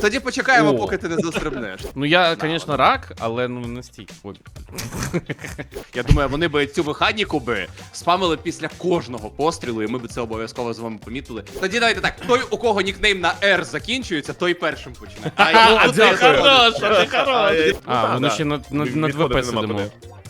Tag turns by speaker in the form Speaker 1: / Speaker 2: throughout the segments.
Speaker 1: тоді почекаємо,
Speaker 2: О.
Speaker 1: поки ти не застрибнеш.
Speaker 2: Ну я, звісно, рак, але ну не стільки. Ой.
Speaker 1: Я думаю, вони би цю механіку би спамили після кожного пострілу, і ми б це обов'язково з вами помітили. Тоді давайте так, той, у кого нікнейм на R закінчується, той першим почне.
Speaker 2: А, ти
Speaker 1: дякую.
Speaker 2: хорош, ти хорош. А,
Speaker 3: да,
Speaker 2: воно
Speaker 3: да.
Speaker 2: ще на
Speaker 3: Відходити
Speaker 2: 2П
Speaker 3: нема
Speaker 2: сидимо.
Speaker 3: куди.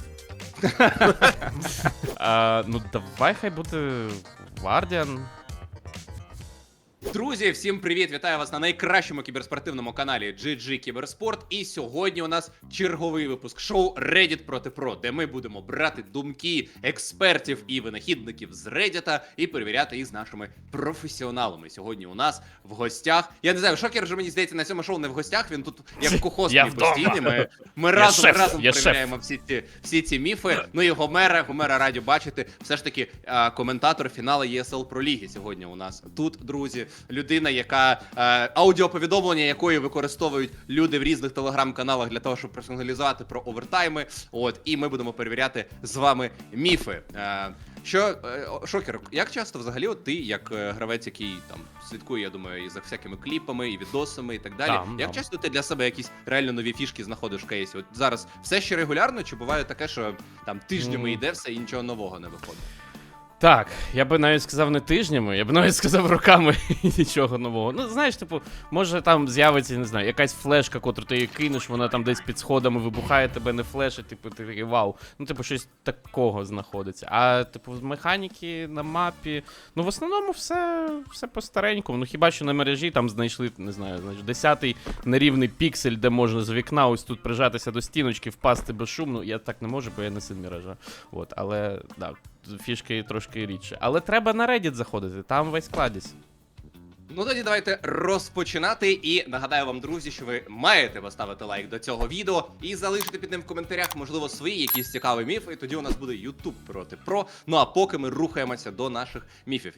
Speaker 2: Ну давай хай буде Guardian.
Speaker 1: Друзі, всім привіт! Вітаю вас на найкращому кіберспортивному каналі GG Кіберспорт. І сьогодні у нас черговий випуск шоу Reddit проти Pro, де ми будемо брати думки експертів і винахідників з Reddit і перевіряти їх з нашими професіоналами. Сьогодні у нас в гостях. Я не знаю, Шокер вже, мені здається, на цьому шоу не в гостях. Він тут як кухозний постійний. Ми разом перевіряємо всі ці міфи. Ну і Гомера раді бачити. Все ж таки коментатор фіналу ESL Pro Ліги сьогодні у нас тут, друзі. Людина, яка аудіоповідомлення якої використовують люди в різних телеграм-каналах для того, щоб персоналізувати про овертайми. От, і ми будемо перевіряти з вами міфи. Шокер, як часто взагалі от ти, як гравець, який там слідкує, я думаю, і за всякими кліпами, і відосами, і так далі, як часто ти для себе якісь реально нові фішки знаходиш в кейсі? От зараз все ще регулярно, чи буває таке, що там тижнями йде все і нічого нового не виходить?
Speaker 2: Так, я би навіть сказав не тижнями, я б навіть сказав роками нічого нового. Ну, знаєш, типу, може там з'явиться, не знаю, якась флешка, котру ти її кинеш, вона там десь під сходами вибухає, тебе не флешить, типу, ти такий вау. Ну, типу, щось такого знаходиться. А, типу, механіки на мапі, ну, в основному все по-старенькому. Ну, хіба що на мережі там знайшли, не знаю, 10-й нерівний піксель, де можна з вікна ось тут прижатися до стіночки, впасти безшумно. Я так не можу, бо я не син Міража. От, але, так. Фішки трошки рідше. Але треба на Reddit заходити, там весь кладість.
Speaker 1: Ну тоді давайте розпочинати. І нагадаю вам, друзі, що ви маєте поставити лайк до цього відео і залишити під ним в коментарях, можливо, свої якісь цікаві міфи. І тоді у нас буде YouTube проти Pro. Ну а поки ми рухаємося до наших міфів.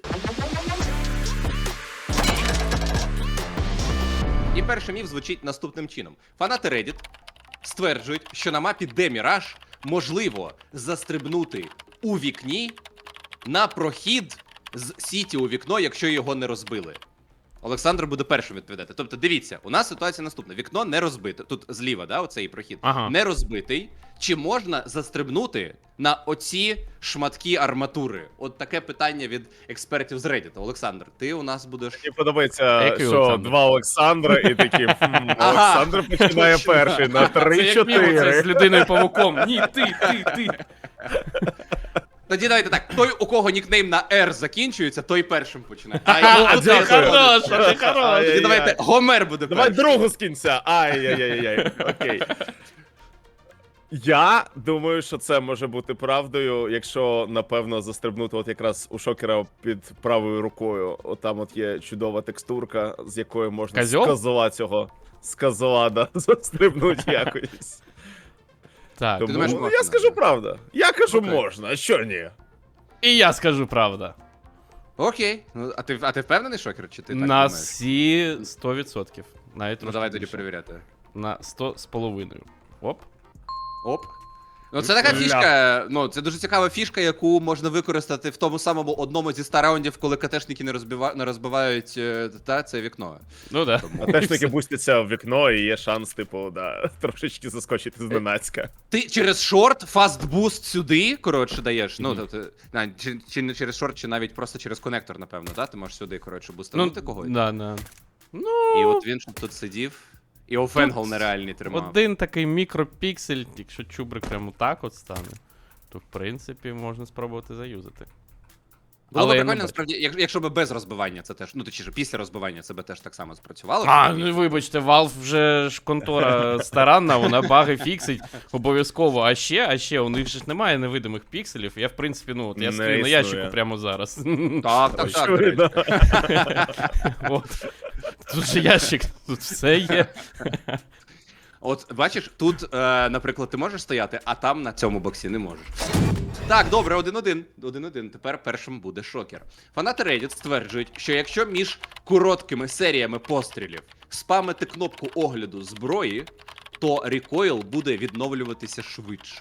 Speaker 1: І перший міф звучить наступним чином. Фанати Reddit стверджують, що на мапі де Міраж можливо застрибнути у вікні на прохід з сіті у вікно, якщо його не розбили. Олександр буде першим відповідати. Тобто, дивіться, у нас ситуація наступна. Вікно не розбите. Тут зліва, да, оцей прохід.
Speaker 2: Ага.
Speaker 1: Не розбитий. Чи можна застрибнути на оці шматки арматури? От таке питання від експертів з Reddit. Олександр, ти у нас будеш...
Speaker 3: Мені подобається,
Speaker 2: Який
Speaker 3: що
Speaker 2: Олександр?
Speaker 3: два Олександра і такі, Олександр починає перший на
Speaker 2: Це як мімо, це
Speaker 3: 3-4.
Speaker 2: з людиною-павуком. Ні, ти.
Speaker 1: Тоді давайте так, той, у кого нікнейм на R закінчується, той першим почне.
Speaker 2: Ти хорош, ти хорош.
Speaker 1: Тоді
Speaker 3: Ай-яй-яй.
Speaker 1: давайте Гомер буде
Speaker 3: Давай
Speaker 1: першим.
Speaker 3: другу з кінця. Ай-яй-яй-яй. Окей. Я думаю, що це може бути правдою, якщо, напевно, застрибнути от якраз у Шокера під правою рукою. Отам от є чудова текстурка, з якою можна
Speaker 2: Козьол?
Speaker 3: з козла, да, застрибнути якось.
Speaker 2: Так,
Speaker 3: Тому,
Speaker 1: думаєш,
Speaker 3: ну,
Speaker 1: можна?
Speaker 3: я скажу правда. Я кажу
Speaker 1: Окей.
Speaker 3: можна, а що ні?
Speaker 2: і я скажу правда.
Speaker 1: Окей. Ну, а ти впевнений, Шокер, чи ти так
Speaker 2: На
Speaker 1: думаєш?
Speaker 2: всі 100%. Навіть
Speaker 1: Ну
Speaker 2: трошки
Speaker 1: давай тоді
Speaker 2: більше.
Speaker 1: перевіряти.
Speaker 2: На 100,5. Оп.
Speaker 1: Оп. Ну це така фішка, ну це дуже цікава фішка, яку можна використати в тому самому одному зі 100 раундів, коли КТшники не розбивають це вікно.
Speaker 2: Ну да.
Speaker 3: А теж таки бустяться в вікно і є шанс, типу, да, трошечки заскочити зненацька.
Speaker 1: Ти через шорт фастбуст сюди, коротше, даєш. Ну, тобто, чи не через шорт, чи навіть просто через конектор, напевно, да? Ти можеш сюди, коротше, бустанути когось.
Speaker 2: Да. Ну,
Speaker 1: І от він щоб тут сидів, і офенгол нереальний тримав.
Speaker 2: один такий мікропіксель, якщо чубрик прямо так от стане, то в принципі можна спробувати заюзати.
Speaker 1: Було б
Speaker 2: Але я не
Speaker 1: прикольно,
Speaker 2: бачу.
Speaker 1: насправді, якщо б без розбивання це теж, ну точніше, після розбивання це б теж так само спрацювало.
Speaker 2: А, ну вибачте, Valve вже ж контора старанна, вона баги фіксить обов'язково. А ще у них же ж немає невидимих пікселів. Я, в принципі, ну, от я
Speaker 3: Не
Speaker 2: стою на
Speaker 3: існує.
Speaker 2: ящику прямо зараз.
Speaker 1: Так, до речі.
Speaker 3: Очевидно.
Speaker 2: От. Тут же ящик, тут все є.
Speaker 1: От бачиш, тут, наприклад, ти можеш стояти, а там на цьому боксі не можеш. Так, добре, 1-1. 1-1. Тепер першим буде Шокер. Фанати Reddit стверджують, що якщо між короткими серіями пострілів спамити кнопку огляду зброї, то рекойл буде відновлюватися швидше.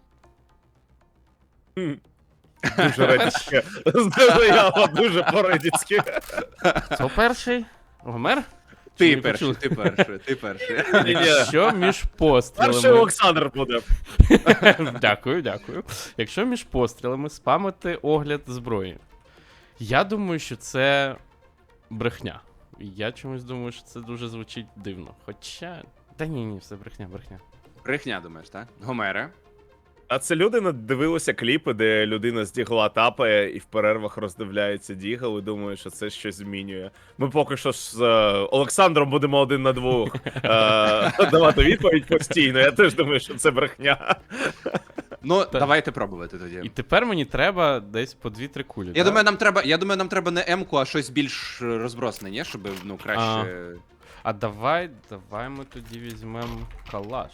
Speaker 3: Дуже радічке. Заява дуже по-редіцьки.
Speaker 2: Хто перший? Гомер?
Speaker 1: Ти
Speaker 2: не
Speaker 1: перший,
Speaker 2: почули?
Speaker 1: ти перший.
Speaker 2: Якщо між
Speaker 3: Перший
Speaker 2: пострілами...
Speaker 3: Олександр буде.
Speaker 2: Дякую. Якщо між пострілами спамити огляд зброї, я думаю, що це брехня. Я чомусь думаю, що це дуже звучить дивно. Хоча. Та ні, все брехня.
Speaker 1: Брехня, думаєш, так? Гомере.
Speaker 3: А це люди надивилися кліпи, де людина з дігла тапає і в перервах роздивляється дігл і думає, що це щось змінює. Ми поки що з Олександром будемо 1 на 2 давати відповідь постійно. Я теж думаю, що це брехня.
Speaker 1: Ну, давайте пробувати тоді.
Speaker 2: І тепер мені треба десь по 2-3 кулі.
Speaker 1: Я
Speaker 2: так?
Speaker 1: думаю, нам треба не М-ку, а щось більш розбросне, ні? Щоб, ну, краще...
Speaker 2: А давай ми тоді візьмемо калаш.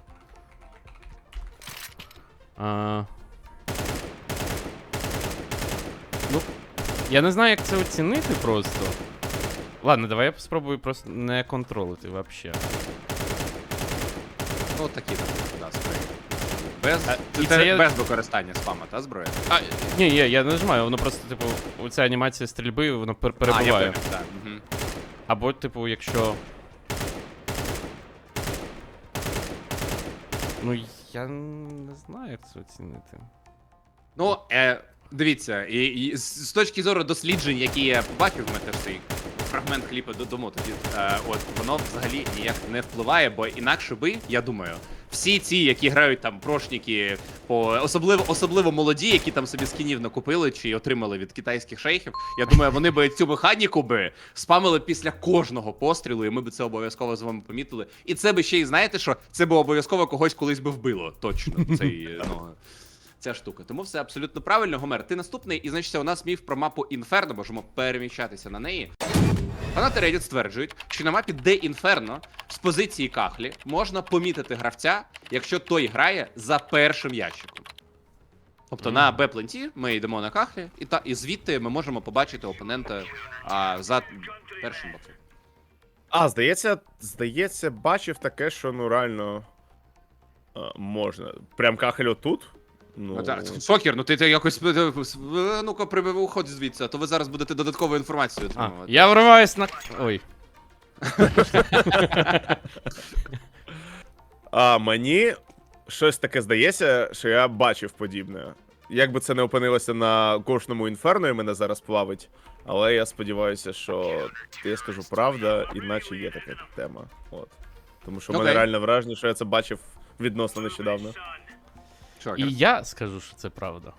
Speaker 2: Ну, я не знаю, як це оцінити просто. Ладно, давай я спробую просто не контролити вообще.
Speaker 1: Ну, такі там, да, зброї. Без,
Speaker 2: і це я-
Speaker 1: без використання спама, та зброя?
Speaker 2: Ні, я не нажимаю, воно просто, типу, оця анімація стрільби, воно
Speaker 1: А, я
Speaker 2: перебуває.
Speaker 1: понял, так. Мгм.
Speaker 2: Або, типу, якщо. Ну, я не знаю, як це оцінити.
Speaker 1: Ну, дивіться, і з точки зору досліджень, які я побачив, ми теж цей фрагмент кліпу додамо тоді, от, воно взагалі ніяк не впливає, бо інакше би, я думаю, всі ці, які грають там прошники, особливо молоді, які там собі скінів накупили чи отримали від китайських шейхів, я думаю, вони би цю механіку би спамили після кожного пострілу, і ми б це обов'язково з вами помітили. І це би ще й, знаєте що, це би обов'язково когось колись би вбило, точно, цей, ну... Ця штука. Тому все абсолютно правильно. Гомер, ти наступний, і значить, у нас міф про мапу Інферно, можемо переміщатися на неї. Фанати Reddit стверджують, що на мапі Де Інферно з позиції кахлі можна помітити гравця, якщо той грає за першим ящиком. Тобто на Б-пленті ми йдемо на кахлі, і звідти ми можемо побачити опонента за першим боком.
Speaker 3: А, здається, бачив таке, що ну реально можна. Прям кахель отут? Ну,
Speaker 1: Шокер, ну ти якось ну-ка уходь звідси, а то ви зараз будете додаткову інформацію отримувати.
Speaker 2: Я вриваюсь на. Ой.
Speaker 3: Мені щось таке здається, що я бачив подібне. Як би це не опинилося на кожному інферно і мене зараз плавить, але я сподіваюся, що я скажу правда, іначе є така тема. От. Тому що в мене
Speaker 1: Окей.
Speaker 3: реально враження, що я це бачив відносно нещодавно.
Speaker 1: Шокер.
Speaker 2: І я скажу, що це правда.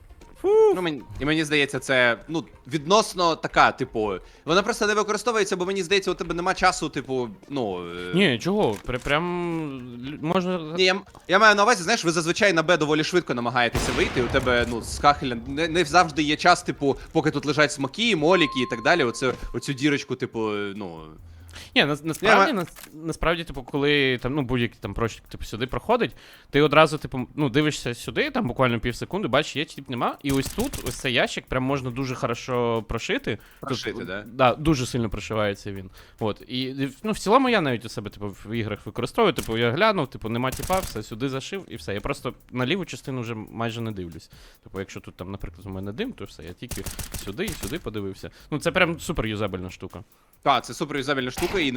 Speaker 1: Ну, мені здається, це ну, відносно така, типу. Вона просто не використовується, бо мені здається, у тебе нема часу, типу, ну.
Speaker 2: Ні, чого? Прям можна.
Speaker 1: Ні, я маю на увазі, знаєш, ви зазвичай на Б доволі швидко намагаєтеся вийти. У тебе, ну, з кахеля не завжди є час, типу, поки тут лежать смоки, моліки і так далі. Оцю дірочку, типу, ну.
Speaker 2: Ні, насправді, типу, коли там, ну, будь-який там прочник, типу, сюди проходить, ти одразу, типу, ну, дивишся сюди, там буквально пів секунди, бачиш, є чи тип нема, і ось тут, ось цей ящик, прям можна дуже хорошо прошити.
Speaker 1: Прошити,
Speaker 2: Тут,
Speaker 1: да?
Speaker 2: Да, дуже сильно прошивається він. От, і, ну, в цілому я навіть у себе, типу, в іграх використовую, типу, я глянув, типу, нема тіпа, все, сюди зашив, і все. Я просто на ліву частину вже майже не дивлюсь. Типу, якщо тут, там, наприклад, у мене дим, то все, я тільки сюди і сюди подивився. Ну, це прям супер юзабельна штука.
Speaker 1: Так, це супер юзабельна штука, і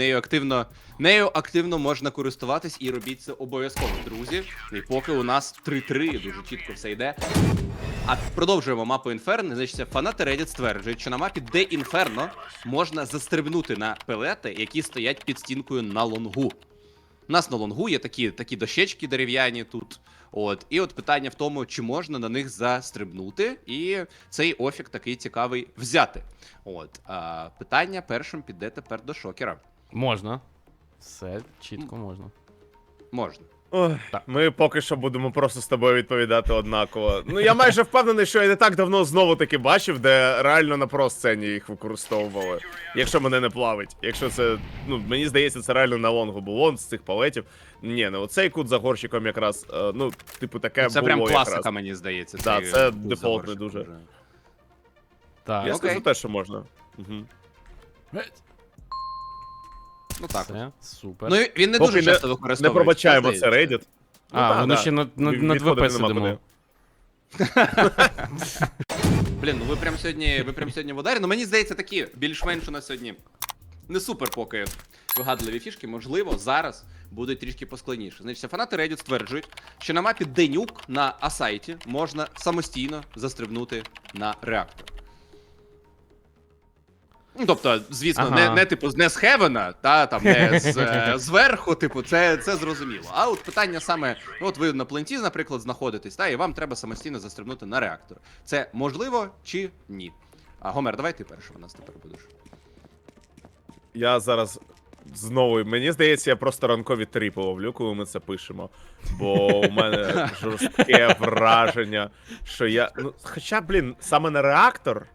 Speaker 1: нею активно можна користуватись, і робіть це обов'язково, друзі. І поки у нас 3-3, дуже чітко все йде. А продовжуємо мапу Інферно. Значить, фанати Reddit стверджують, що на мапі Де Інферно можна застрибнути на пелети, які стоять під стінкою на лонгу. У нас на лонгу є такі дощечки дерев'яні тут. От, і от питання в тому, чи можна на них застрибнути, і цей офік такий цікавий взяти. От, питання першим піде тепер до Шокера.
Speaker 2: Можна. Все чітко можна.
Speaker 1: Можна.
Speaker 3: Ой,
Speaker 2: Так.
Speaker 3: ми поки що будемо просто з тобою відповідати однаково. Ну, я майже впевнений, що я не так давно знову таки бачив, де реально на просцені їх використовували. Якщо мене не плавить. Якщо це, ну, мені здається, це реально на лонгу було з цих палетів. Ні, ну оцей кут за горщиком якраз, ну, типу, таке
Speaker 1: Це
Speaker 3: було
Speaker 1: прям класика,
Speaker 3: якраз.
Speaker 1: мені здається.
Speaker 3: Да,
Speaker 1: цей
Speaker 3: це
Speaker 1: кут за
Speaker 3: дефолтний
Speaker 1: горщиком
Speaker 3: дуже.
Speaker 1: вже.
Speaker 2: Так.
Speaker 3: Я
Speaker 1: Окей.
Speaker 3: скажу те, що можна. Угу.
Speaker 1: Ну так.
Speaker 2: Все, супер.
Speaker 1: Ну, і він не
Speaker 3: Поки
Speaker 1: дуже часто
Speaker 3: Не
Speaker 1: використовується.
Speaker 3: пробачаємо
Speaker 1: та,
Speaker 3: це
Speaker 1: здається.
Speaker 3: Reddit.
Speaker 2: Воно ще над
Speaker 3: Відходити
Speaker 2: ВП
Speaker 3: нема
Speaker 2: сидимо.
Speaker 3: куди.
Speaker 1: Блін, ну ви прям сьогодні в ударі. Ну мені здається, такі більш-менш у нас сьогодні Не супер поки вигадливі фішки, можливо, зараз будуть трішки поскладніше. Значить, фанати Reddit стверджують, що на мапі Денюк на Асайті можна самостійно застрибнути на реактор. Ну, тобто, звісно,
Speaker 2: Ага.
Speaker 1: не типу не з Хевена, та там не зверху, типу, це зрозуміло. А от питання саме: от ви на пленті, наприклад, знаходитесь, та і вам треба самостійно застрибнути на реактор. Це можливо чи ні? А Гомер, давай ти перший у нас тепер будеш.
Speaker 3: Я зараз знову, мені здається, я просто ранкові тріпи ловлю, коли ми це пишемо. Бо у мене жорстке враження, що я. Ну, хоча, блін, саме на реактор.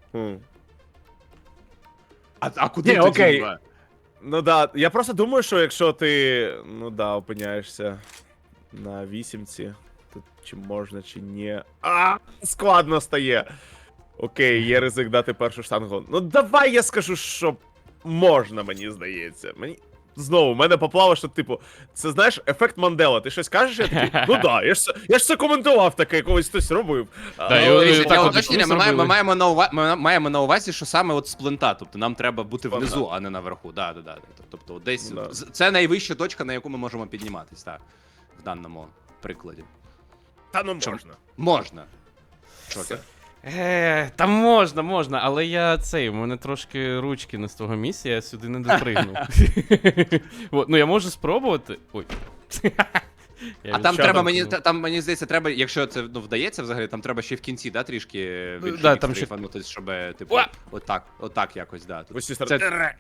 Speaker 1: А куди
Speaker 3: Ні,
Speaker 1: тоді?
Speaker 3: окей.
Speaker 1: Ба?
Speaker 3: Ну да, я просто думаю, що якщо ти, ну да, опиняєшся на вісімці, то чи можна, чи ні. Складно стає. Окей, є ризик дати першу штангу. Ну давай я скажу, що можна, мені здається. Мені. Знову, в мене поплава, що, типу, це, знаєш, ефект Мандела. Ти щось кажеш, я такий, ну да, я ж це коментував таке, колись хтось робив.
Speaker 2: Да,
Speaker 1: Ну,
Speaker 2: і
Speaker 1: дивіться,
Speaker 2: так
Speaker 1: для
Speaker 2: от
Speaker 1: уточнення,
Speaker 2: ми
Speaker 1: ми
Speaker 2: зробили.
Speaker 1: маємо на увазі, що саме от з плента, тобто нам треба бути
Speaker 3: Ага.
Speaker 1: внизу, а не наверху. Да. Тобто от десь
Speaker 3: Да.
Speaker 1: це найвища точка, на яку ми можемо підніматись, так, в даному прикладі.
Speaker 3: Та ну
Speaker 1: Чому?
Speaker 3: можна.
Speaker 1: Можна. Шокер.
Speaker 2: Там можна, але у мене трошки ручки не з того місця, я сюди не допригнув. Ну я можу спробувати. Ой.
Speaker 1: А там
Speaker 3: що
Speaker 1: треба,
Speaker 3: там
Speaker 1: мені здається, треба, якщо це вдається взагалі, там треба ще в кінці, да, трішки більше
Speaker 2: Да, там ще-
Speaker 1: шлейфанутись, щоб, типу,
Speaker 2: Уа!
Speaker 1: отак якось, да. Тут.
Speaker 3: Ось ці сторони.
Speaker 1: Це...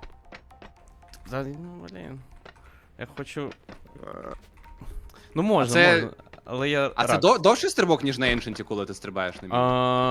Speaker 2: Ну, блін. Я хочу. Ну можна,
Speaker 1: це-
Speaker 2: можна. Але я.
Speaker 1: А це
Speaker 2: рад.
Speaker 1: довший стрибок, ніж на Ancient, коли ти стрибаєш на мій?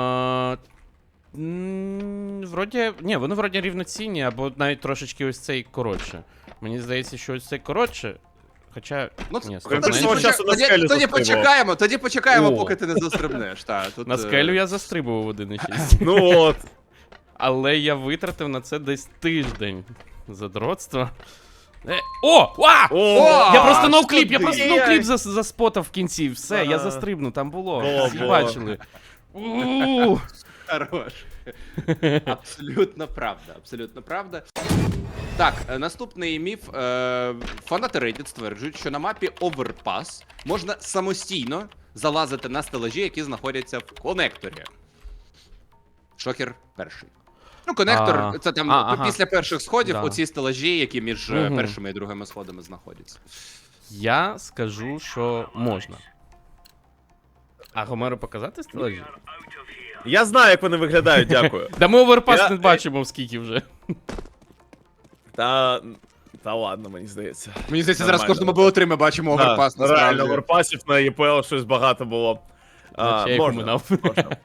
Speaker 2: Вроді. Ні, вони вроді рівноцінні, або навіть трошечки ось цей коротше. Мені здається, що ось цей коротше. Хоча.
Speaker 1: Ну,
Speaker 2: Ні,
Speaker 3: Крім
Speaker 2: стоп,
Speaker 3: того,
Speaker 2: на
Speaker 3: часу на скелю
Speaker 1: тоді
Speaker 3: застрибував.
Speaker 1: почекаємо,
Speaker 2: О.
Speaker 1: поки ти не застрибнеш. Тут,
Speaker 2: На скелю я застрибував 1.6.
Speaker 3: Ну от.
Speaker 2: Але я витратив на це десь тиждень задротства. О! Ва!
Speaker 3: О!
Speaker 2: Я просто ноукліп,
Speaker 1: що
Speaker 2: я
Speaker 1: ти?
Speaker 2: просто ноукліп заспотав в кінці. Все, я
Speaker 3: Ага.
Speaker 2: застрибну, там було.
Speaker 3: Було,
Speaker 2: Всі
Speaker 3: було.
Speaker 2: бачили. У.
Speaker 1: Хорош. Абсолютно правда, абсолютно правда. Так, наступний міф. Фанати Reddit стверджують, що на мапі Overpass можна самостійно залазити на стелажі, які знаходяться в конекторі. Шокер перший. Ну, конектор, це там
Speaker 2: ага.
Speaker 1: після перших сходів,
Speaker 2: Да.
Speaker 1: оці стелажі, які між
Speaker 2: Мгм.
Speaker 1: першими і другими сходами знаходяться.
Speaker 2: Я скажу, що можна. А Гомеру показати стелажі?
Speaker 3: Я знаю, як вони виглядають, дякую.
Speaker 2: Да ми оверпас
Speaker 3: Я-
Speaker 2: не бачимо скільки вже.
Speaker 3: Та ладно, мені здається.
Speaker 1: Мені здається, зараз в
Speaker 3: Нормально.
Speaker 1: кожному БО3 ми бачимо оверпас.
Speaker 3: Да, реально,
Speaker 1: насправді.
Speaker 3: оверпасів на ЄПЛ щось багато було.
Speaker 2: Наче я їх
Speaker 3: Можна,
Speaker 2: оминав.
Speaker 3: можна.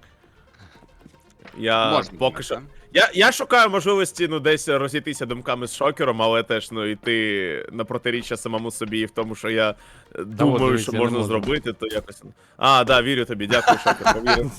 Speaker 3: Я
Speaker 1: Можна,
Speaker 3: поки що.
Speaker 1: так?
Speaker 3: Я шукаю можливості, ну, десь розійтися думками з шокером, але теж, ну, йти на протиріччя самому собі і в тому, що я думаю,
Speaker 2: дивись,
Speaker 3: що
Speaker 2: я не
Speaker 3: можна
Speaker 2: можу.
Speaker 3: зробити, то якось. А, да, вірю тобі, дякую, шокер, повірив.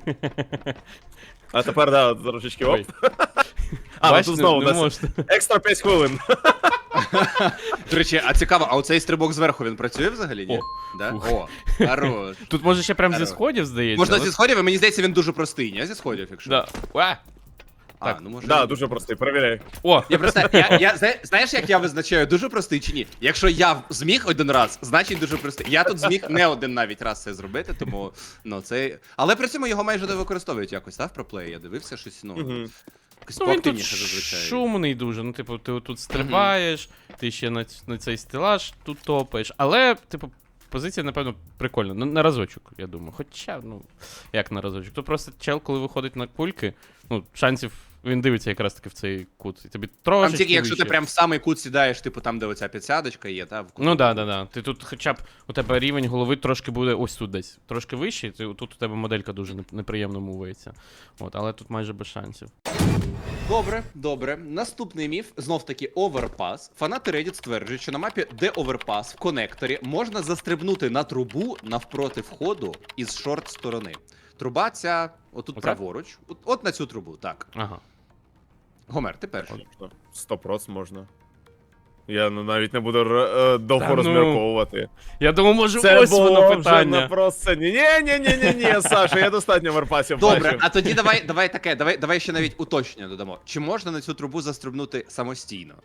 Speaker 3: А тепер, да, трошечки оп.
Speaker 2: Ой.
Speaker 3: А, ну
Speaker 2: Бач,
Speaker 3: тут знову у
Speaker 2: не
Speaker 3: нас
Speaker 2: можна.
Speaker 3: екстра 5 хвилин.
Speaker 1: До речі, а цікаво, а оцей стрибок зверху він працює взагалі? Ні?
Speaker 2: О,
Speaker 1: Да?
Speaker 2: фух.
Speaker 1: О, хорош.
Speaker 2: Тут може ще прям зі
Speaker 1: Здорово.
Speaker 2: сходів, здається.
Speaker 1: Можна
Speaker 2: але-
Speaker 1: зі сходів, і мені здається, він дуже простий, ні? Зі сходів, якщо.
Speaker 2: Да. А!
Speaker 1: А,
Speaker 2: так.
Speaker 1: ну може.
Speaker 3: Да, дуже простий, перевіряй.
Speaker 2: О!
Speaker 1: Я просто, знаєш, як я визначаю, дуже простий чи ні? Якщо я зміг один раз, значить дуже простий. Я тут зміг не один навіть раз це зробити, тому, ну, це... Але при цьому його майже не використовують якось, так, в проплеї? Я дивився щось, ну,
Speaker 3: Мгм.
Speaker 1: якось
Speaker 2: Ну він тут
Speaker 1: поактивніше зазвичай.
Speaker 2: шумний дуже. Ну, типу, ти тут стрибаєш, ти ще на цей стелаж тут топаєш. Але, типу, позиція, напевно, прикольна. На разочок, я думаю. Хоча, ну, як на разочок. То просто чел, коли виходить на кульки, ну, шансів. Він дивиться якраз таки в цей кут. І тобі
Speaker 1: Там
Speaker 2: трошечки
Speaker 1: тільки якщо ти
Speaker 2: вище.
Speaker 1: прям в самий кут сідаєш, типу там, де оця підсядочка є, та в куту.
Speaker 2: Ну да. Ти тут хоча б у тебе рівень голови трошки буде ось тут десь. Трошки вищий, тут у тебе моделька дуже неприємно мувається. От, але тут майже без шансів.
Speaker 1: Добре. Наступний міф, знов таки Overpass. Фанати Reddit стверджують, що на мапі де Overpass в конекторі можна застрибнути на трубу навпроти входу із шорт сторони. Труба ця отут
Speaker 2: Оце?
Speaker 1: праворуч. От на цю трубу, так.
Speaker 2: Ага.
Speaker 1: Гомер, ти перший.
Speaker 3: 100% можна. Я навіть не буду довго
Speaker 2: Та ну.
Speaker 3: розмірковувати.
Speaker 2: Я думаю, може,
Speaker 3: Це
Speaker 2: ось
Speaker 3: було
Speaker 2: воно
Speaker 3: вже
Speaker 2: питання.
Speaker 3: на просцені. Ні, Саша, я достатньо варпасів
Speaker 1: Добре,
Speaker 3: бачив.
Speaker 1: а тоді давай таке, давай ще навіть уточнення додамо. Чи можна на цю трубу застрибнути самостійно?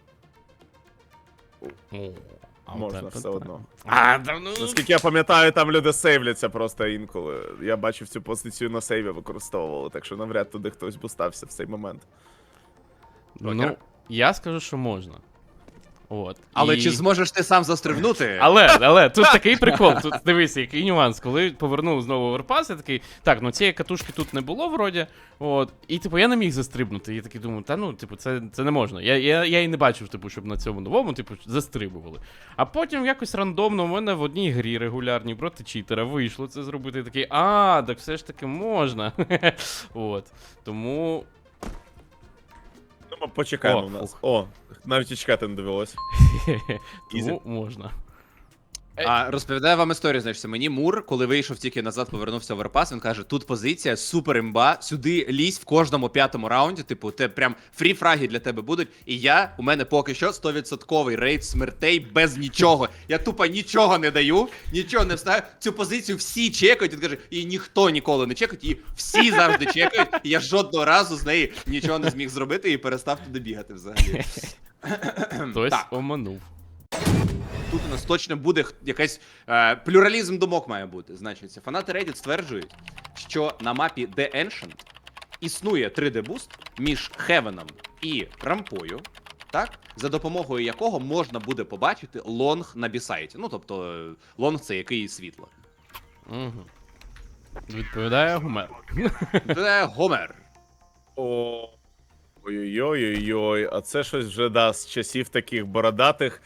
Speaker 2: О, а
Speaker 3: Можна
Speaker 2: от це
Speaker 3: все одно.
Speaker 2: А, та ну...
Speaker 3: Наскільки я пам'ятаю, там люди сейвляться просто інколи. Я бачив цю позицію на сейві використовували, так що навряд туди хтось бустався в цей момент.
Speaker 2: Ну, я скажу, що можна. От.
Speaker 1: Але
Speaker 2: І-
Speaker 1: чи зможеш ти сам застрибнути?
Speaker 2: Але тут такий прикол. Тут дивися, який нюанс. Коли повернув знову Overpass, я такий, так, ну цієї катушки тут не було вроді. От. І типу я не міг застрибнути. Я такий думаю, та ну, типу, це не можна. Я і не бачив, типу, щоб на цьому новому, типу, застрибували. А потім якось рандомно у мене в одній грі регулярній проти читера вийшло це зробити. Я такий, так все ж таки можна. От. Тому.
Speaker 3: Ну, ми почекаємо
Speaker 2: О,
Speaker 3: в нас.
Speaker 2: ух.
Speaker 3: О, навіть і чекати не довелось.
Speaker 2: Тому можна.
Speaker 1: А розповідаю вам історію, значить, мені Мур, коли вийшов тільки назад, повернувся в Overpass, він каже, тут позиція супер імба, сюди лізь в кожному 5-му раунді, типу, те прям фрі-фраги для тебе будуть, і у мене поки що 100% рейд смертей без нічого. Я тупо нічого не даю, нічого не вставаю. Цю позицію всі чекають, він каже, і ніхто ніколи не чекає, і всі завжди чекають, і я жодного разу з неї нічого не зміг зробити і перестав туди бігати взагалі.
Speaker 2: Хтось
Speaker 1: Так.
Speaker 2: оманув.
Speaker 1: Тут у нас точно буде якийсь плюралізм думок має бути. Значить, фанати Reddit стверджують, що на мапі The Ancient існує 3D-буст між Хевеном і рампою, так? За допомогою якого можна буде побачити лонг на бісайті. Ну, тобто, лонг це який світло.
Speaker 2: Угу. Відповідає Гумер.
Speaker 1: Це Гомер.
Speaker 3: О, ой-ой-ой, а це щось вже да, з часів таких бородатих.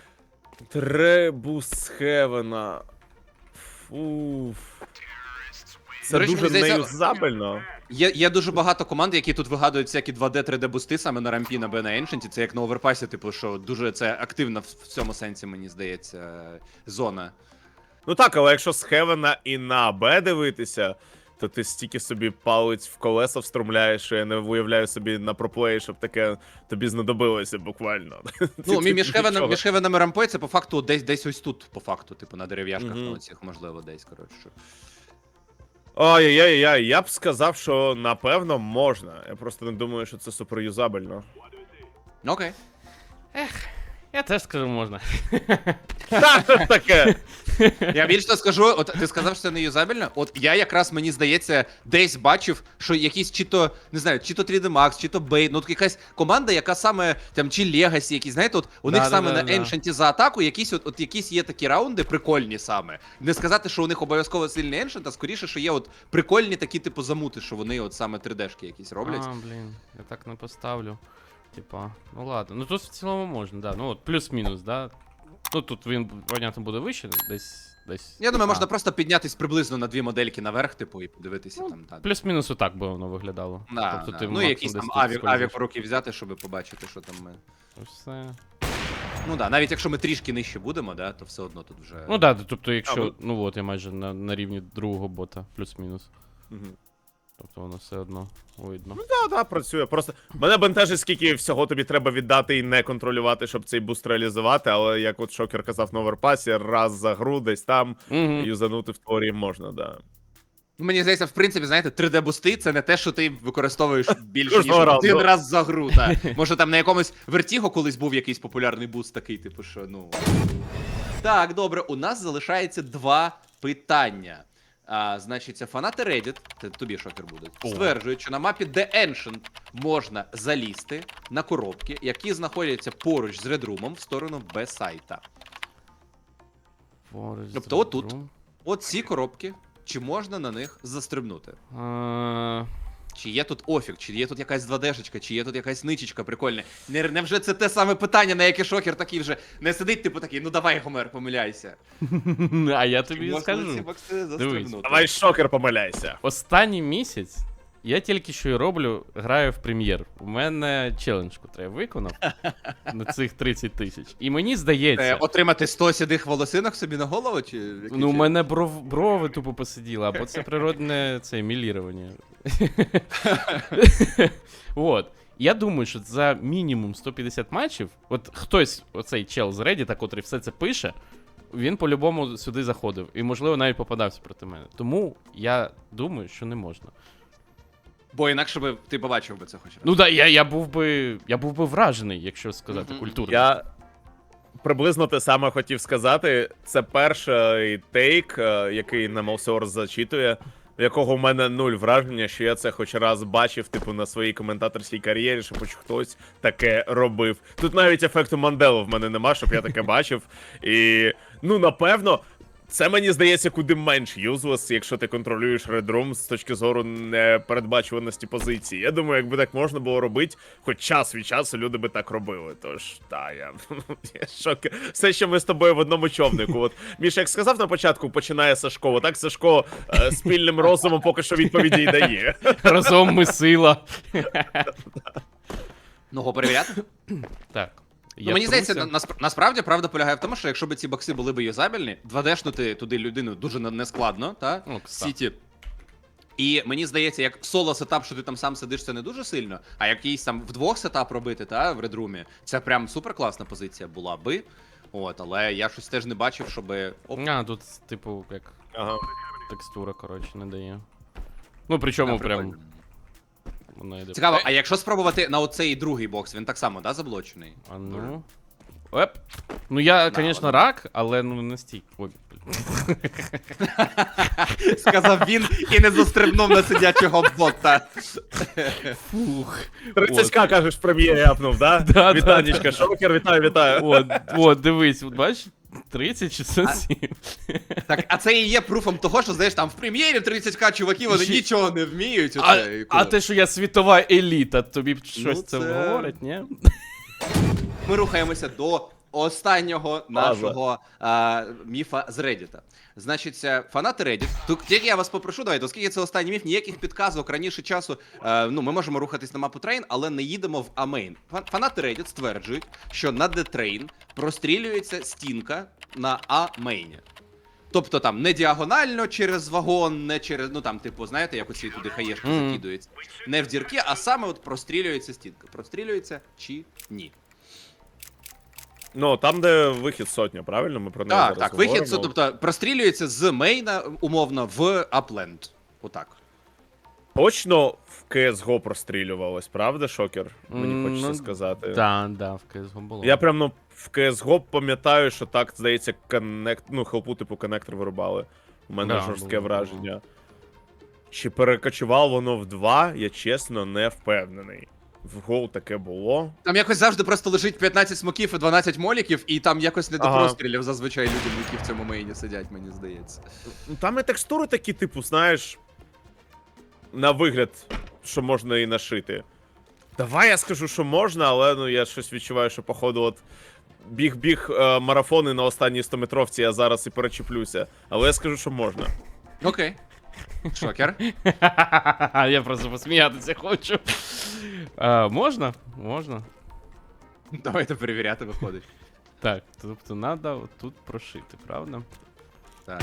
Speaker 3: Требус Хевена. Фуф. Це
Speaker 1: До речі,
Speaker 3: дуже
Speaker 1: мені здається,
Speaker 3: неюзабельно.
Speaker 1: Є дуже багато команд, які тут вигадують всякі 2D, 3D-бусти саме на рампі, на Б, на Ancient. Це як на Оверпасі, типу, що дуже це активна в цьому сенсі, мені здається, зона.
Speaker 3: Ну так, але якщо з Хевена і на Б дивитися, то ти стільки собі палець в колеса встромляєш, що я не уявляю собі на проплеї, щоб таке тобі знадобилося буквально.
Speaker 1: Ну,
Speaker 3: Ти
Speaker 1: між
Speaker 3: нічого.
Speaker 1: Хевеном і рампою це по факту десь ось тут, по факту, типу, на дерев'яшках,
Speaker 3: Мгм.
Speaker 1: на оцих, можливо, десь, коротше.
Speaker 3: Ой-ой-ой, я б сказав, що напевно можна. Я просто не думаю, що це суперюзабельно.
Speaker 1: Окей.
Speaker 2: Я теж скажу, можна.
Speaker 3: Та, що ж таке?
Speaker 1: Я більше того скажу, от ти сказав, що це не юзабельно. От я якраз, мені здається, десь бачив, що якісь чи то, не знаю, чи то 3D Max, чи то Bait, ну от якась команда, яка саме, там, чи Legacy якісь, знаєте, от у них саме на Ancient за атаку якісь от якісь є такі раунди прикольні саме. Не сказати, що у них обов'язково сильний Ancient, а скоріше, що є от прикольні такі, типу, замути, що вони от саме 3D-шки якісь роблять.
Speaker 2: Блін, я так не поставлю. Типа, ну ладно. Ну тут в цілому можна, да. Ну от плюс-мінус, да. Ну тут він, понятно, буде вище, десь.
Speaker 1: Я думаю, можна просто піднятись приблизно на 2 модельки наверх, типу, і подивитися
Speaker 2: Ну,
Speaker 1: там. Та,
Speaker 2: Плюс-мінус отак би воно виглядало.
Speaker 1: да,
Speaker 2: Тобто
Speaker 1: да.
Speaker 2: ти
Speaker 1: Ну,
Speaker 2: максимум
Speaker 1: якийсь
Speaker 2: десь
Speaker 1: там
Speaker 2: тут
Speaker 1: авік
Speaker 2: скользиш.
Speaker 1: в руки взяти, щоб побачити, що там ми.
Speaker 2: Все.
Speaker 1: Ну да, навіть якщо ми трішки нижче будемо, да, то все одно тут вже.
Speaker 2: Ну да, тобто якщо,
Speaker 3: ви-
Speaker 2: ну от я майже на рівні другого бота, плюс-мінус.
Speaker 3: Мгм.
Speaker 2: Тобто воно все одно видно.
Speaker 3: Да, працює. Просто мене бентежить, скільки всього тобі треба віддати і не контролювати, щоб цей буст реалізувати, але як от Шокер казав на оверпасі, раз за гру десь там
Speaker 2: Угу.
Speaker 3: юзанути в теорії можна, да.
Speaker 1: Ну, мені здається, в принципі, знаєте, 3D-бусти це не те, що ти використовуєш більше ніж
Speaker 3: Кожного разу.
Speaker 1: один раз за гру. Та. Може там на якомусь Vertigo колись був якийсь популярний буст такий, типу, що ну. Так, добре, у нас залишається 2 питання. Значить, це фанати Reddit, це тобі шокер буде, стверджують, що на мапі The Ancient можна залізти на коробки, які знаходяться поруч з Red Room в сторону Б-сайта. Тобто отут. От ці коробки, чи можна на них застрибнути? Чи є тут офік, чи є тут якась 2D-шечка, чи є тут якась ничечка прикольна? Невже це те саме питання, на яке шокер такий вже не сидить, типу такий, ну давай, Гомер, помиляйся.
Speaker 2: А я
Speaker 1: Чи
Speaker 2: тобі
Speaker 1: можна
Speaker 2: скажу.
Speaker 1: ці бокси застрибнути?
Speaker 3: Давай, Шокер, помиляйся.
Speaker 2: Останній місяць я тільки що і роблю, граю в прем'єр. У мене челендж, котрий я виконав на цих 30 тисяч. І мені здається,
Speaker 1: Отримати 100 сідих волосинок собі на голову, чи який
Speaker 2: ну у
Speaker 1: чи-
Speaker 2: мене брови тупо посиділи, або це природне це мілірування. От. Я думаю, що за мінімум 150 матчів, от хтось, оцей чел з Reddit, котрий все це пише, він по-любому сюди заходив. І, можливо, навіть попадався проти мене. Тому я думаю, що не можна.
Speaker 1: Бо інакше би ти побачив би це хоч раз.
Speaker 2: Ну так, я був би вражений, якщо сказати
Speaker 1: Мгм.
Speaker 2: культурно.
Speaker 3: Я приблизно те саме хотів сказати. Це перший тейк, який на Малсорс зачитує, в якого в мене нуль враження, що я це хоч раз бачив, типу, на своїй коментаторській кар'єрі, що хоч хтось таке робив. Тут навіть ефекту Манделу в мене нема, щоб я таке бачив. І, ну, напевно, це мені здається куди менш юзлес, якщо ти контролюєш Red Room з точки зору непередбачуваності позиції. Я думаю, якби так можна було робити, хоч час від часу люди би так робили. Тож, я шок. Все, що ми з тобою в одному човнику. От Міша, як сказав на початку, починає Сашко. Отак Сашко спільним розумом поки що відповіді й дає.
Speaker 2: Разом ми сила.
Speaker 1: Ну, го перевіряти?
Speaker 2: Так.
Speaker 1: Ну, мені здається, насправді правда полягає в тому, що якщо б ці бокси були б юзабельні, 2D-шнути туди людину дуже нескладно, та?
Speaker 2: Ну,
Speaker 1: В Сіті. І мені здається, як соло сетап, що ти там сам сидиш, це не дуже сильно, а якийсь там вдвох сетап робити, та, в редрумі, це прям супер класна позиція була би. От, але я щось теж не бачив, щоби.
Speaker 2: Тут, типу, як
Speaker 3: Ага.
Speaker 2: текстура, коротше, не дає. Ну, причому
Speaker 1: Да,
Speaker 2: прям.
Speaker 1: прикольно.
Speaker 2: Вона йде.
Speaker 1: Цікаво, а якщо спробувати на оцей другий бокс, він так само, да, заблочений?
Speaker 2: А ну. Еп. Ну я,
Speaker 1: Да,
Speaker 2: звісно,
Speaker 1: ладно.
Speaker 2: рак, але ну не стій. Ой.
Speaker 1: Сказав він і не застрибнув на сидячого бота.
Speaker 2: Фух.
Speaker 3: 30к, кажеш, в прем'єрі апнув, да?
Speaker 2: Да,
Speaker 3: Вітанечка, Шокер, вітаю.
Speaker 2: От, дивись, от бачиш? 30-67.
Speaker 1: Так, а це і є пруфом того, що, знаєш, там в прем'єрі 30к чуваків, вони
Speaker 2: Ще-
Speaker 1: нічого не вміють.
Speaker 2: А,
Speaker 1: Оце, і
Speaker 2: а те, що я світова еліта, тобі щось це
Speaker 1: це-
Speaker 2: говорить, ні?
Speaker 1: Ми рухаємося до останнього нашого міфа з Reddit. Значить, фанати Reddit. Тут тільки я вас попрошу, давайте, оскільки це останній міф, ніяких підказок раніше часу. Ну, ми можемо рухатись на мапу Train, але не їдемо в А-мейн. Фанати Reddit стверджують, що на D-Train прострілюється стінка на А-мейні. Тобто там не діагонально через вагон, не через, ну там, типу, знаєте, як оці туди хаєшки закидуються. Не в дірки, а саме от прострілюється стінка. Прострілюється чи ні?
Speaker 3: Ну, там, де вихід сотня, правильно? Ми про неї
Speaker 1: Так,
Speaker 3: зараз
Speaker 1: так, вихід,
Speaker 3: говоримо.
Speaker 1: тобто прострілюється з мейна, умовно, в апленд. Отак.
Speaker 3: Точно в CSGO прострілювалось, правда, Шокер? Мені хочеться
Speaker 2: Ну,
Speaker 3: сказати.
Speaker 2: Да, в CSGO було.
Speaker 3: Я прям, ну, в CSGO пам'ятаю, що так, здається, хелпу типу коннектор вирубали. У мене
Speaker 2: Да,
Speaker 3: жорстке
Speaker 2: було.
Speaker 3: враження. Чи перекочувало воно в 2, я чесно не впевнений. В гол таке було.
Speaker 1: Там якось завжди просто лежить 15 смоків і 12 моліків, і там якось не до
Speaker 3: Ага.
Speaker 1: прострілів зазвичай людям, які в цьому мейні сидять, мені здається.
Speaker 3: Ну, там і текстури такі, типу, знаєш, на вигляд, що можна і нашити. Давай я скажу, що можна, але ну я щось відчуваю, що походу от біг марафони на останній 100-метровці, я зараз і перечіплюся. Але я скажу, що можна.
Speaker 1: Окей. Шокер.
Speaker 2: Я просто посміятися хочу. Можна? Можна.
Speaker 1: Давайте перевіряти, виходить.
Speaker 2: Так, тобто треба тут прошити, правда?
Speaker 1: Так.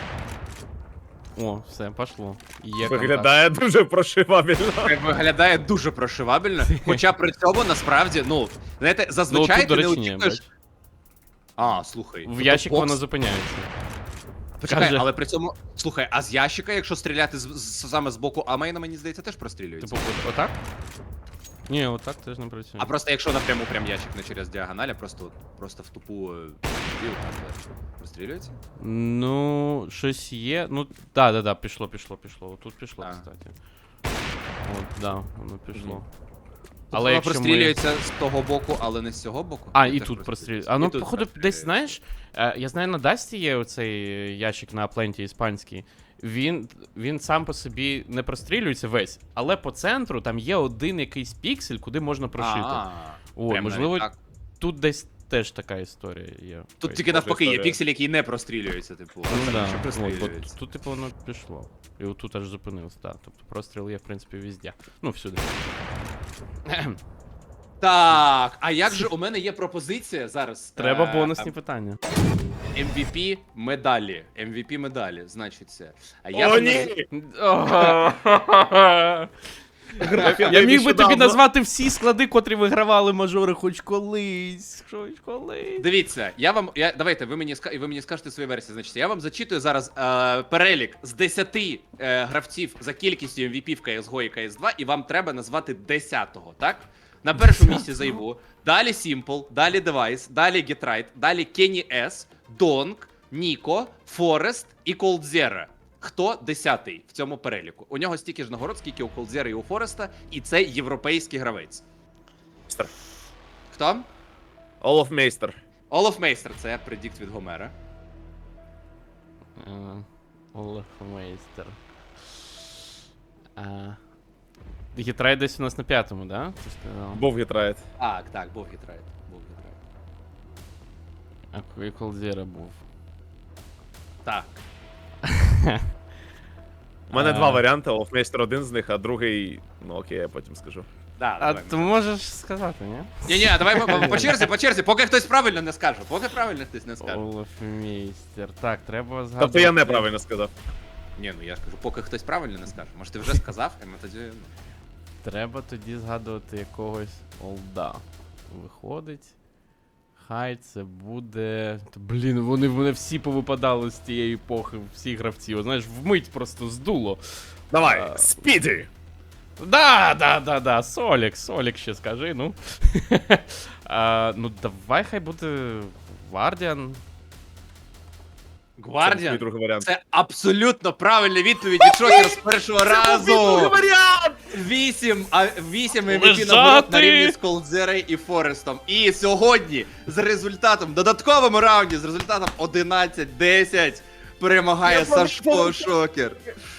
Speaker 2: О, все, пошло. Є
Speaker 3: Виглядає дуже прошивабельно.
Speaker 1: Виглядає дуже прошивабельно, хоча при цьому насправді, ну, знаєте, зазвичай
Speaker 2: тут, до
Speaker 1: ти не
Speaker 2: речі, ні,
Speaker 1: очікуєш.
Speaker 2: бач.
Speaker 1: А, слухай.
Speaker 2: В
Speaker 1: тобто
Speaker 2: ящик
Speaker 1: бокс-
Speaker 2: воно зупиняється.
Speaker 1: Почекай,
Speaker 2: каже-
Speaker 1: але при цьому. Слухай, а з ящика, якщо стріляти саме з боку амейна, мені здається, теж прострілюється.
Speaker 2: Типу, отак? Ні, отак теж не працює.
Speaker 1: А просто якщо напряму прям ящик не через діагональ, а просто в тупу діл, прострілюється?
Speaker 2: Ну, щось є. Ну, да, пішло. Тут пішло,
Speaker 1: А.
Speaker 2: кстати. От, да, воно пішло.
Speaker 1: Мгм.
Speaker 2: Але
Speaker 1: Воно
Speaker 2: якщо ми...
Speaker 1: прострілюється з того боку, але не з цього боку.
Speaker 2: А,
Speaker 1: Чи
Speaker 2: і
Speaker 1: теж
Speaker 2: тут прострілюється.
Speaker 1: І
Speaker 2: А ну,
Speaker 1: тут
Speaker 2: походу, десь,
Speaker 1: прострілюється?
Speaker 2: знаєш, я знаю, на Дасті є оцей ящик на Апленті іспанський. Він сам по собі не прострілюється весь, але по центру там є один якийсь піксель, куди можна прошити. О,
Speaker 1: прям
Speaker 2: можливо,
Speaker 1: навіть так.
Speaker 2: тут десь теж така історія є.
Speaker 1: Тут тільки навпаки, є
Speaker 3: історія.
Speaker 1: піксель, який не прострілюється, типу. а
Speaker 2: Ну,
Speaker 1: це
Speaker 2: да.
Speaker 1: ще
Speaker 2: От,
Speaker 1: прострілюється.
Speaker 2: тут, типу, воно пішло. І отут аж зупинилось, так. Тобто простріл є, в принципі, везде. Ну, всюди.
Speaker 1: Так, а як же у мене є пропозиція зараз?
Speaker 2: Треба бонусні питання.
Speaker 1: MVP медалі. MVP медалі, значить це. А я
Speaker 3: О,
Speaker 1: б
Speaker 3: ні!
Speaker 2: Я міг би тобі назвати всі склади, котрі вигравали мажори хоч колись. Хоч колись.
Speaker 1: Дивіться, давайте, ви мені скажете свої версії. Значить, я вам зачитую зараз перелік з 10 гравців за кількістю MVP в CSGO і CS2, і вам треба назвати 10-го, так? На першому місці Зайву, далі Simple, далі Device, далі GetRight, далі Kenny S, Donk, Ніко, Форест і Колдзера. Хто 10-й в цьому переліку? У нього стільки ж нагород, скільки у Колдзера і у Фореста, і це європейський гравець. Хто?
Speaker 3: Олаф Мейстер.
Speaker 1: Олаф Мейстер, це предікт від Гомера.
Speaker 2: Олаф Мейстер. Гітрай десь у нас на 5-му, да? Ти сказав?
Speaker 3: Був гітрайт.
Speaker 1: Так, був гітрайт.
Speaker 2: А Колдзера був.
Speaker 1: Так.
Speaker 3: У мене два варіанти, Олаф Мейстер один з них, а другий, ну окей, я потім скажу.
Speaker 1: Да,
Speaker 2: А
Speaker 1: давай.
Speaker 2: ти можеш сказати, ні?
Speaker 1: Ні, давай по черзі, поки хтось правильно не скаже.
Speaker 2: Олаф Мейстер. Так, треба згадувати.
Speaker 3: Тобто я неправильно сказав.
Speaker 1: Ні, ну я ж кажу, поки хтось правильно не скаже. Може ти вже сказав, і ми тоді...
Speaker 2: Треба тоді згадувати якогось олда. Виходить. Хай це буде. Блін, вони в мене всі повипадали з тієї епохи, всі гравці. О, знаєш, вмить просто здуло.
Speaker 3: Давай, Спіді!
Speaker 2: Да. Солік ще скажи, ну. Ну, давай хай буде Гвардіан.
Speaker 3: Мій
Speaker 1: Гвардіан?
Speaker 3: другий варіант.
Speaker 1: Це абсолютно правильна відповідь від Шокера з першого разу.
Speaker 3: варіант!
Speaker 1: 8 MVP
Speaker 2: Лежати!
Speaker 1: нагород на рівні з Колдзерою і Форестом. І сьогодні з результатом, додатковому раунді, з результатом 11-10 перемагає Сашко Шокер.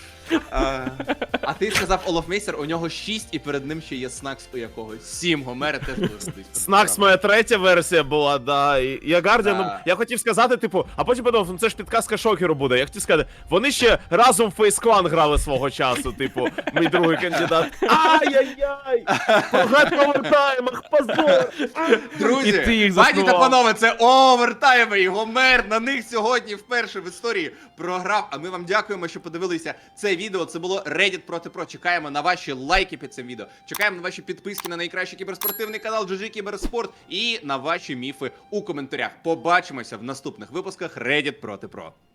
Speaker 1: А ти сказав Олаф Мейстер, у нього 6 і перед ним ще є Снакс у якогось. 7, Гомера теж дуже близько.
Speaker 3: Снакс моя третя версія була, да. І я Гардіан,
Speaker 1: Да.
Speaker 3: я хотів сказати, типу, а потім подумав, ну це ж підказка Шокеру буде. Я хотів сказати, вони ще разом в Face Clan грали свого часу, типу, мій другий кандидат. Ай-яй-яй! Прогад в овертаймах, позор!
Speaker 1: Друзі,
Speaker 2: І ти їх
Speaker 1: пані та
Speaker 2: заснував.
Speaker 1: панове, це овертайми, і Гомер на них сьогодні вперше в історії програв. А ми вам дякуємо, що подивилися це відео. Це було Reddit проти Pro. Чекаємо на ваші лайки під цим відео. Чекаємо на ваші підписки на найкращий кіберспортивний канал GG Кіберспорт і на ваші міфи у коментарях. Побачимося в наступних випусках Reddit проти Pro.